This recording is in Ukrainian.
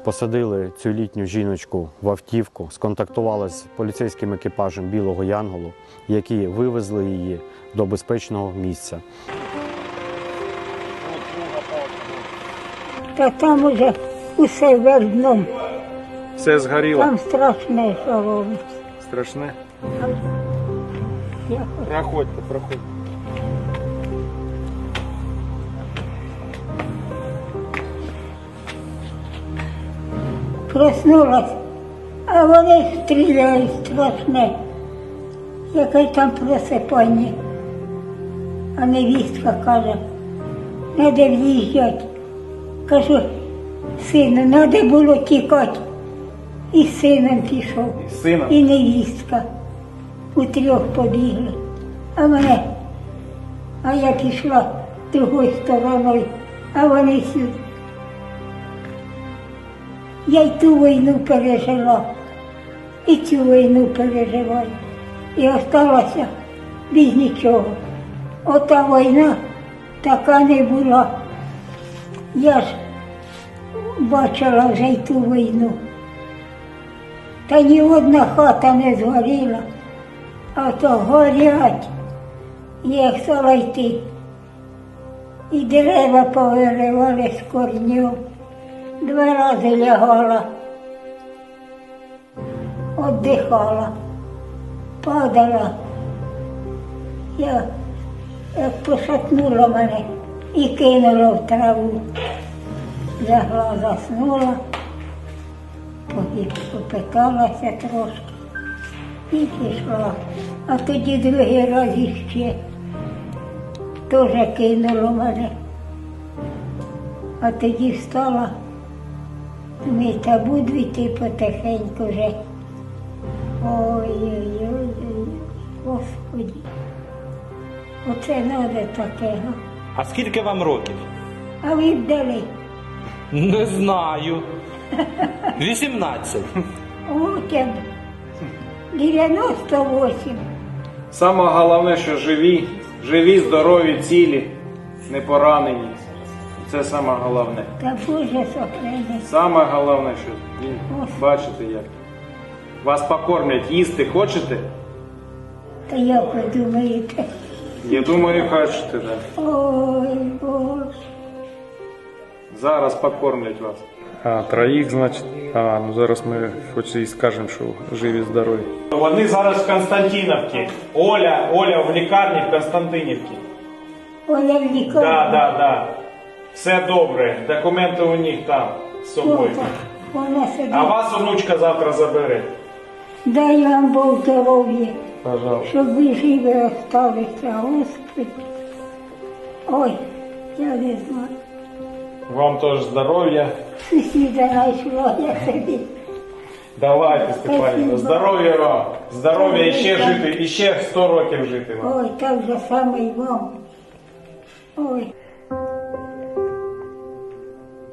посадили цю літню жіночку в автівку, сконтактували з поліцейським екіпажем Білого Янголу, які вивезли її до безпечного місця. Та там уже усе верно. Все згоріло? Там страшне, що робиться. Страшне? Я Проходьте, проходьте. проснулась, а вони стріляють страшне. Яке там просипання. А невістка каже, треба в'їжджати. Кажу, сину, треба було тікати. І з сином пішов, З сином? і невістка. Утрьох побігли. А я пішла другою стороною, а вони сюди. Я й ту війну пережила, і цю війну переживаю. І осталася без нічого. Ота війна така не була. Я ж бачила вже й ту війну. Та ні одна хата не згоріла, а то горять. Я стала йти. І дерева повиривали з корнів. 2 рази лягала, віддихала, падала. Я як пошатнула мене і кинула в траву. Лягла, заснула, попиталася трошки і пішла. А тоді другий раз іще теж кинуло мене. А тоді встала, ми та буду йти потихеньку вже. Ой-ой-ой, Господи, оце треба таке, га? А скільки вам років? А ви б дали? Не знаю. 18. От я б 98. Саме головне, що живі, здорові, цілі, не поранені. Це саме головне. Та Боже сохрани. Саме головне, що бачите як. Вас покормлять, їсти хочете? Та як ви думаєте? Я думаю, хочете, так. Ой, Боже. Зараз покормлять вас. А, троїх, значить. Ну зараз ми хоч і скажемо, що живі, здорові. Вони зараз в Константинівці. Оля в лікарні в Константинівці. Оля в лікарні. Да. Все добре. Документи у них там з собою. Вона сидить. А вас онучка завтра забере. Дай вам Бог здоров'я, Пожалуйста. щоб ви живі осталися, Господи. Ой, я не знаю. Вам теж здоров'я. Сусіда знайшла, я собі. Давайте, Степанівна. Спасибо. Здоров'я вам. Здоров'я і ще жити, і ще 100 років жити вам. Ой, так же саме й вам. Ой.